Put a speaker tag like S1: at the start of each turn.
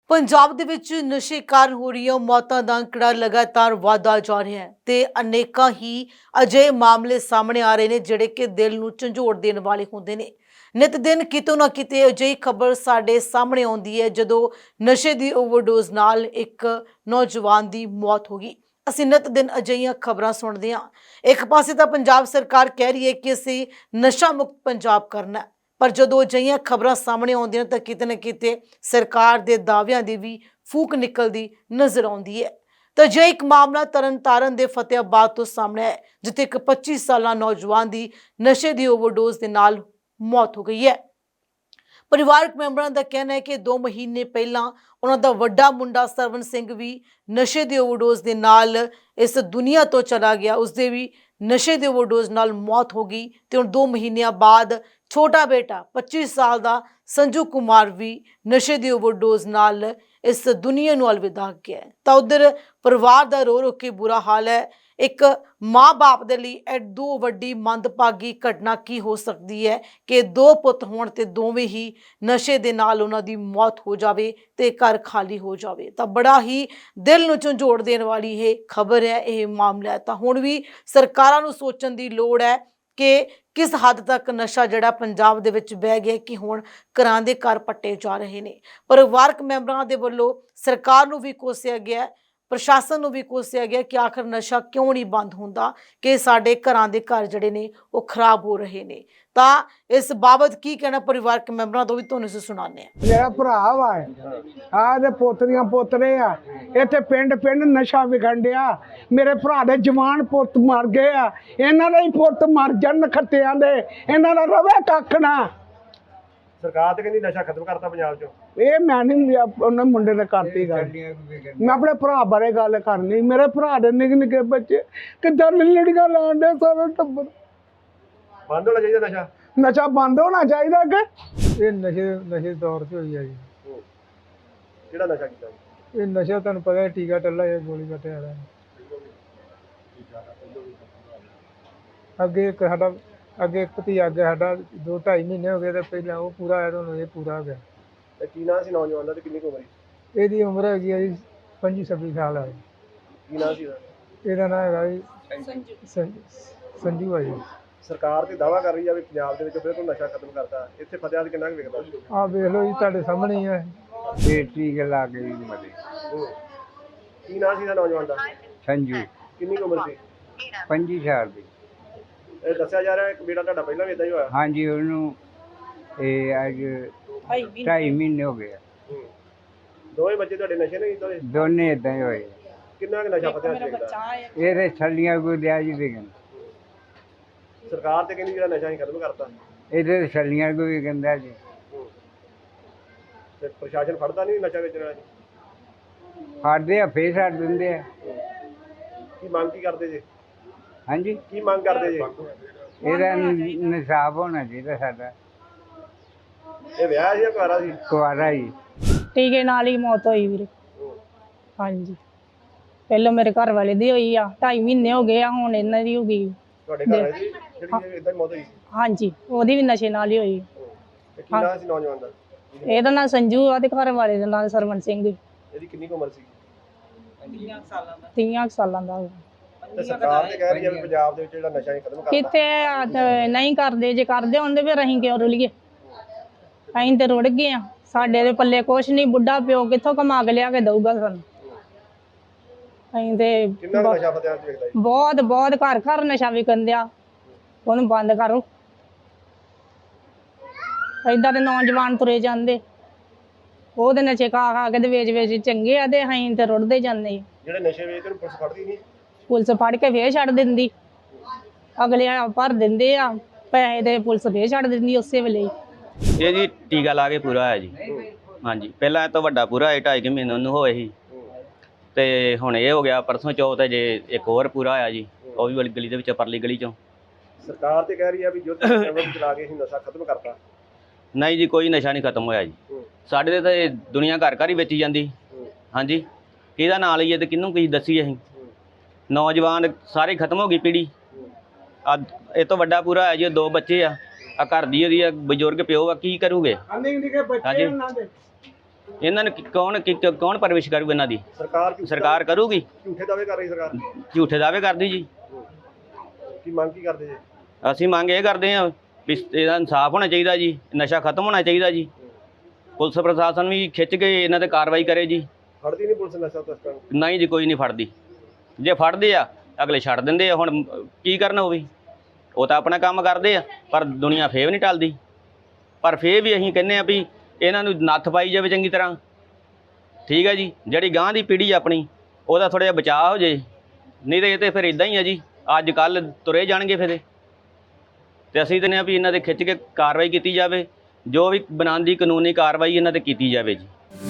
S1: ਪੰਜਾਬ ਦੇ ਵਿੱਚ ਨਸ਼ੇ ਕਾਰਨ ਹੋ ਰਹੀਆਂ ਮੌਤਾਂ ਦਾ ਅੰਕੜਾ ਲਗਾਤਾਰ ਵਧਦਾ ਜਾ ਰਿਹਾ ਹੈ ਤੇ ਅਨੇਕਾਂ ਹੀ ਅਜਿਹੇ ਮਾਮਲੇ ਸਾਹਮਣੇ ਆ ਰਹੇ ਨੇ ਜਿਹੜੇ ਕਿ ਦਿਲ ਨੂੰ ਝੰਜੋੜ ਦੇਣ ਵਾਲੇ ਹੁੰਦੇ ਨੇ। ਨਿਤ ਦਿਨ ਕਿਤੋਂ ਨਾ ਕਿਤੇ ਅਜਿਹੀ ਖਬਰ ਸਾਡੇ ਸਾਹਮਣੇ ਆਉਂਦੀ ਹੈ ਜਦੋਂ ਨਸ਼ੇ ਦੀ ਓਵਰਡੋਜ਼ ਨਾਲ ਇੱਕ ਨੌਜਵਾਨ ਦੀ ਮੌਤ ਹੋ ਗਈ। ਅਸੀਂ ਨਿਤ ਦਿਨ ਅਜਿਹੀਆਂ ਖਬਰਾਂ ਸੁਣਦੇ ਹਾਂ। ਇੱਕ ਪਾਸੇ ਤਾਂ ਪੰਜਾਬ ਸਰਕਾਰ ਕਹਿ ਰਹੀ ਹੈ ਕਿ ਅਸੀਂ ਨਸ਼ਾ ਮੁਕਤ ਪੰਜਾਬ ਕਰਨਾ, पर जो अजिहियां खबरां सामने आउंदियां तां किते ना किते सरकार दे दावियां दी भी फूक निकलदी नज़र आउंदी है। तो जे एक मामला तरनतारन दे फतेहाबाद तो सामने है जिथे एक 25 साला नौजवान की नशे की ओवरडोज के नाल मौत हो गई है। परिवारक मैंबरां दा कहना है कि 2 महीने पहला उन्हां दा वड्डा मुंडा सरवण सिंह भी नशे की ओवरडोज के नाल इस दुनिया तो चला गया, उसदे भी नशे की ओवरडोज नाल मौत हो गई। तो हुण 2 महीनों बाद छोटा बेटा 25 साल का संजू कुमार भी नशे की ओवरडोज नाल इस दुनिया नूं अलविदा गया। तो उधर परिवार का रो रो के बुरा हाल है। एक माँ बाप दे लई एडो वड्डी मंदभागी घटना की हो सकती है कि 2 पुत होण ते दोवें ही नशे दे नाल उन्हां दी मौत हो जावे ते घर खाली हो जावे। तो बड़ा ही दिल नूं झंझोड़ देण वाली ये खबर है, ये मामला है। तो हुण भी सरकारां नूं सोचण दी लोड़ है कि किस हद तक नशा जिहड़ा पंजाब दे विच बह गया कि हुण घरां दे घर पट्टे जा रहे ने। परिवारक मैंबरां दे वल्लों सरकार नूं भी कोसिया गया, प्रशासन नूं भी कोसिया गया कि आखिर नशा क्यों नहीं बंद हुंदा कि साडे घरां दे घर जिहड़े ने वो खराब हो रहे ने। तां इस बाबत की कहना परिवारक मैंबरां तो भी तुहानूं असीं सुणाने आ।
S2: मेरा भरा वा आ ते पोतरियां पोतरे आ इत्थे पिंड पिंड नशा विखण डिया। मेरे भरा दे जवान पुੱਤ मर गए आ, इन्हां दे ही पुੱਤ मर जाण खत्तियां दे, इन्हां दा रवे कख ना।
S3: सरकार तो कहती नशा खत्म करता पंजाब चो।
S2: ਇਹ ਮੈਂ ਨਹੀਂ ਉਹਨੇ ਮੁੰਡੇ ਨੇ ਕਰਤੀ ਗੱਲ। ਮੈਂ ਆਪਣੇ ਭਰਾ ਬਾਰੇ ਗੱਲ ਕਰਨੀ। ਮੇਰੇ ਭਰਾ ਦੇ ਨਿੱਕੇ ਨਿੱਕੇ ਬੱਚੇ ਕਿੱਦਾਂ ਲੜੀਆਂ ਲਾਉਣ ਦੇ ਸਾਰਾ ਟੱਬਰ।
S3: बंद होना चाहिए नशा।
S2: ਨਸ਼ਾ ਬੰਦ ਹੋਣਾ ਚਾਹੀਦਾ ਕਿ ਇਹ ਨਸ਼ੇ ਦੌਰ 'ਚ ਹੋਈ ਆ ਜੀ।
S3: ਕਿਹੜਾ ਨਸ਼ਾ ਕੀਤਾ ਜੀ?
S2: ਇਹ ਨਸ਼ਾ ਤੁਹਾਨੂੰ ਪਤਾ ਹੈ ਟੀਕਾ ਟੱਲਾ ਇਹ ਗੋਲੀ ਕੱਟੇ ਵਾਲਾ। ਅੱਗੇ ਇੱਕ ਸਾਡਾ ਅੱਗੇ ਇੱਕ ਭਤੀਜਾ ਅੱਗੇ ਸਾਡਾ 2-2.5 ਮਹੀਨੇ ਹੋ ਗਏ ਤੇ ਪਹਿਲਾਂ ਉਹ ਪੂਰਾ ਆਇਆ, ਤੁਹਾਨੂੰ ਇਹ ਪੂਰਾ ਹੋ ਗਿਆ।
S3: ਤੇ ਕੀ ਨਾਂ ਸੀ ਨੌਜਵਾਨ ਦਾ ਤੇ ਕਿੰਨੀ ਕੁ ਉਮਰ ਸੀ?
S2: ਇਹਦੀ ਉਮਰ ਹੈਗੀ ਹੈ ਜੀ 25-26 ਸਾਲ ਹੈ।
S3: ਕੀ ਨਾਂ ਸੀ ਇਹਦਾ?
S2: ਇਹਦਾ ਨਾਂ ਹੈਗਾ ਜੀ ਸੰਜੂ ਹੈ ਜੀ।
S3: ਸਰਕਾਰ ਤੇ ਦਾਅਵਾ ਕਰ ਰਹੀ ਆ ਵੀ ਪੰਜਾਬ ਦੇ ਵਿੱਚ ਫਿਰ ਤੋਂ ਨਸ਼ਾ ਖਤਮ ਕਰਤਾ। ਇੱਥੇ ਫਤਿਆਦ ਕਿੰਨਾ ਕੁ ਵਿਕਦਾ?
S2: ਆਹ ਵੇਖ ਲਓ ਜੀ ਤੁਹਾਡੇ ਸਾਹਮਣੇ ਹੀ ਹੈ। ਇਹ ਟੀਕੇ ਲਾ ਕੇ ਜੀ ਮਰੇ।
S3: ਕੀ ਨਾਂ ਸੀ ਇਹਦਾ ਨੌਜਵਾਨ ਦਾ?
S4: संजू
S3: ਕਿੰਨੀ ਕੁ ਉਮਰ ਸੀ?
S4: 25 साल ਦੀ।
S3: ਇਹ ਦੱਸਿਆ ਜਾ ਰਿਹਾ ਇੱਕ ਬੇਟਾ ਤੁਹਾਡਾ ਪਹਿਲਾਂ ਵੀ ਇਦਾਂ ਹੀ ਹੋਇਆ।
S4: हाँ जी ਉਹਨੂੰ ਇਹ ਅੱਜ 2.5 ਮਹੀਨੇ ਹੋ ਗਏ।
S3: ਦੋਵੇਂ ਬੱਚੇ ਤੁਹਾਡੇ ਨਸ਼ੇ ਨੇ ਕੀਤੇ?
S4: ਦੋਨੇ ਇਦਾਂ ਹੀ ਹੋਏ।
S3: ਕਿੰਨਾ ਕੁ ਨਸ਼ਾ ਫਤਿਆਦ ਚ ਵਿਕਦਾ?
S4: ਇਹਦੇ ਛੱਲੀਆਂ ਕੋਈ ਦਿਆ ਜੀ ਵਿਕਣ।
S3: ਸਰਕਾਰ ਤੇ ਕਹਿੰਦੀ ਜਿਹੜਾ ਨਸ਼ਾ ਹੀ ਖਤਮ ਕਰਤਾ।
S4: ਇਹਦੇ ਛੱਲੀਆਂ ਕੋਈ ਵਿਕੰਦਾ ਜੀ।
S3: ਤੇ ਪ੍ਰਸ਼ਾਸਨ ਫੜਦਾ ਨਹੀਂ ਨਸ਼ਾ ਵੇਚਣ ਵਾਲਾ ਜੀ?
S4: ਫੜਦੇ ਆ ਫੇਰ ਛੱਡ ਦਿੰਦੇ ਆ।
S3: ਕੀ ਮੰਗ ਕੀ ਕਰਦੇ ਜੇ?
S4: ਹਾਂਜੀ
S3: ਕੀ ਮੰਗ ਕਰਦੇ ਜੇ?
S4: ਇਹਦਾ ਨਿਸਾਬ ਹੋਣਾ ਚਾਹੀਦਾ ਸਾਡਾ।
S3: ਇਹ ਵਿਆਹ ਸੀ ਜਾਂ ਕੁਆਰਾ ਸੀ?
S4: ਕੁਆਰਾ ਜੀ।
S5: ਟੀਕੇ ਨਾਲ ਹੀ ਮੌਤ ਹੋਈ ਵੀਰੇ। ਹਾਂਜੀ ਪਹਿਲਾਂ ਮੇਰੇ ਘਰ ਵਾਲੇ ਦੀ ਹੋਈ ਆ, 2.5 ਮਹੀਨੇ ਹੋ ਗਏ ਆ, ਹੁਣ ਇਹਨਾਂ ਦੀ ਹੋ ਗਈ।
S3: ਤੁਹਾਡੇ ਘਰ ਵਾਲੀ ਦੀ ਜਿਹੜੀ ਇਦਾਂ ਹੀ ਮੌਤ ਹੋਈ?
S5: ਹਾਂਜੀ ਉਹਦੀ ਵੀ ਨਸ਼ੇ ਨਾਲ ਹੀ ਹੋਈ।
S3: ਤੇ ਕੀ ਨਾਂ ਸੀ ਨੌਜਵਾਨ ਦਾ?
S5: ਇਹਦਾ ਨਾਂ ਸੰਜੂ ਆ ਤੇ ਘਰ ਵਾਲੇ ਦਾ ਨਾਂ ਸਰਵਣ ਸਿੰਘ।
S3: ਇਹਦੀ ਕਿੰਨੀ ਕੁ ਉਮਰ ਸੀ?
S5: 30 ਸਾਲਾਂ ਦਾ ਹੋਇਆ।
S3: ਤੇ ਸਰਕਾਰ ਤੇ ਕਹਿ ਰਹੀ ਹੈ ਵੀ ਪੰਜਾਬ ਦੇ ਵਿੱਚ ਜਿਹੜਾ ਨਸ਼ਾ ਹੀ ਖਤਮ ਕਰਤਾ।
S5: ਕਿਤੇ ਨਹੀਂ ਕਰਦੇ, ਜੇ ਕਰਦੇ ਹੁੰਦੇ ਫਿਰ ਅਸੀਂ ਕਿਉਂ ਰੁਲੀਏ? ਅਸੀਂ ਤੇ ਰੁੜ ਗਏ ਆ, ਸਾਡੇ ਦੇ ਪੱਲੇ ਕੁਛ ਨਹੀਂ। ਬੁੱਢਾ ਪਿਓ ਕਿੱਥੋਂ ਕਮਾ ਕੇ ਲਿਆ ਕੇ ਦਊਗਾ ਸਾਨੂੰ? ਅਸੀਂ ਤੇ
S3: ਕਿੰਨਾ ਕੁ ਨਸ਼ਾ ਫਤਿਆਦ ਚ ਵਿਕਦਾ ਜੀ?
S5: ਬਹੁਤ ਬਹੁਤ ਘਰ ਘਰ ਨਸ਼ਾ ਵਿਕਣ ਦਿਆ। ਉਹਨੂੰ ਬੰਦ ਕਰੋ। ਏਦਾਂ ਦੇ ਨੌਜਵਾਨ ਤੁਰੇ ਜਾਂਦੇ, ਉਹਦੇ ਨਸ਼ੇ ਖਾ ਖਾ ਕੇ ਤੇ ਵੇਚ ਚੰਗੇ ਆ ਤੇ ਅਸੀਂ ਤੇ ਰੁੜਦੇ ਜਾਂਦੇ।
S3: ਜਿਹੜੇ ਨਸ਼ੇ ਵੇਚਦੇ ਨੂੰ ਪੁਲਿਸ ਫੜਦੀ ਨਹੀਂ?
S5: ਪੁਲਿਸ ਫੜ ਕੇ ਫੇਰ ਛੱਡ ਦਿੰਦੀ, ਅਗਲੇ ਭਰ ਦਿੰਦੇ ਆ ਪੈਸੇ ਤੇ ਪੁਲਿਸ ਫੇਰ ਛੱਡ ਦਿੰਦੀ ਉਸੇ ਵੇਲੇ।
S6: ਇਹ ਜੀ ਟੀਕਾ ਲਾ ਕੇ ਪੂਰਾ ਹੋਇਆ ਜੀ। ਹਾਂਜੀ ਪਹਿਲਾਂ ਇਹ ਤੋਂ ਵੱਡਾ ਪੂਰਾ ਹੋਇਆ 2.5 ਮਹੀਨੇ ਉਹਨੂੰ ਹੋਏ ਸੀ ਤੇ ਹੁਣ ਇਹ ਹੋ ਗਿਆ ਪਰਸੋਂ ਚੌਥ ਜੇ ਇੱਕ ਹੋਰ ਪੂਰਾ ਹੋਇਆ ਜੀ, ਉਹ ਵੀ ਵਾਲੀ ਗਲੀ ਦੇ ਵਿੱਚ ਪਰਲੀ ਗਲੀ ਚੋਂ।
S3: ਸਰਕਾਰ ਤੇ ਕਹਿ ਰਹੀ ਆ ਵੀ ਜੋ ਚਲਾ ਕੇ ਅਸੀਂ ਨਸ਼ਾ ਖਤਮ ਕਰਤਾ।
S6: ਨਹੀਂ ਜੀ ਕੋਈ ਨਸ਼ਾ ਨਹੀਂ ਖਤਮ ਹੋਇਆ ਜੀ। ਸਾਡੇ ਤੇ ਤਾਂ ਇਹ ਦੁਨੀਆ ਘਰ ਘਰ ਹੀ ਵੇਚੀ ਜਾਂਦੀ। ਹਾਂਜੀ ਕਿਹਦਾ ਨਾਂ ਲਈਏ ਤੇ ਕਿਹਨੂੰ ਕੀ ਦੱਸੀਏ ਅਸੀਂ? ਨੌਜਵਾਨ ਸਾਰੇ ਖਤਮ ਹੋ ਗਈ ਪੀੜੀ। ਇਹ ਤੋਂ ਵੱਡਾ ਪੂਰਾ ਹੋਇਆ ਜੀ, 2 ਬੱਚੇ ਆ, ਘਰ ਦੀ ਉਹਦੀ ਬਜ਼ੁਰਗ ਪਿਓ ਆ, ਕੀ ਕਰੂਗੇ? ਹਾਂਜੀ ਇਹਨਾਂ ਨੂੰ ਕੌਣ ਪਰਵਿਸ਼ ਕਰੂਗਾ ਇਹਨਾਂ ਦੀ? ਸਰਕਾਰ ਕਰੂਗੀ।
S3: ਝੂਠੇ ਦਾਅਵੇ ਕਰ ਰਹੀ ਸਰਕਾਰ।
S6: ਝੂਠੇ ਦਾਅਵੇ ਕਰਦੀ ਜੀ।
S3: ਕੀ ਮੰਗ ਕੀ ਕਰਦੇ ਜੀ?
S6: ਅਸੀਂ ਮੰਗ ਇਹ ਕਰਦੇ ਹਾਂ ਵੀ ਇਹਦਾ ਇਨਸਾਫ ਹੋਣਾ ਚਾਹੀਦਾ ਜੀ, ਨਸ਼ਾ ਖਤਮ ਹੋਣਾ ਚਾਹੀਦਾ ਜੀ। ਪੁਲਿਸ ਪ੍ਰਸ਼ਾਸਨ ਵੀ ਖਿੱਚ ਕੇ ਇਹਨਾਂ ਤੇ ਕਾਰਵਾਈ ਕਰੇ ਜੀ।
S3: ਫੜਦੀ ਨਹੀਂ ਪੁਲਿਸ ਨਸ਼ਾ ਤਸਕਰਾਂ ਨੂੰ?
S6: ਨਹੀਂ ਜੀ, ਕੋਈ ਨਹੀਂ ਫੜਦੀ। ਜੇ ਫੜਦੇ ਆ ਅਗਲੇ ਛੱਡ ਦਿੰਦੇ ਆ। ਹੁਣ ਕੀ ਕਰਨ ਉਹ ਵੀ, ਉਹ ਤਾਂ ਆਪਣਾ ਕੰਮ ਕਰਦੇ ਆ, ਪਰ ਦੁਨੀਆ ਫੇਰ ਨਹੀਂ ਟਲਦੀ। ਪਰ ਫੇਰ ਵੀ ਅਸੀਂ ਕਹਿੰਦੇ ਆ ਵੀ ਇਹਨਾਂ ਨੂੰ ਨੱਥ ਪਾਈ ਜਾਵੇ ਚੰਗੀ ਤਰ੍ਹਾਂ, ਠੀਕ ਹੈ ਜੀ। ਜਿਹੜੀ ਗਾਂ ਦੀ ਪੀੜ੍ਹੀ ਆਪਣੀ ਉਹਦਾ ਥੋੜ੍ਹਾ ਜਿਹਾ ਬਚਾਅ ਹੋ ਜੇ, ਨਹੀਂ ਤਾਂ ਇਹ ਤਾਂ ਫਿਰ ਇਦਾਂ ਹੀ ਆ ਜੀ, ਅੱਜ ਕੱਲ੍ਹ ਤੁਰੇ ਜਾਣਗੇ ਫਿਰ। ਤੇ ਅਸੀਂ ਕਹਿੰਦੇ ਆ ਵੀ ਇਹਨਾਂ ਦੇ ਖਿੱਚ ਕੇ ਕਾਰਵਾਈ ਕੀਤੀ ਜਾਵੇ, ਜੋ ਵੀ ਬਣਾਉਣ ਦੀ ਕਾਨੂੰਨੀ ਕਾਰਵਾਈ ਇਹਨਾਂ ਤੇ ਕੀਤੀ ਜਾਵੇ ਜੀ।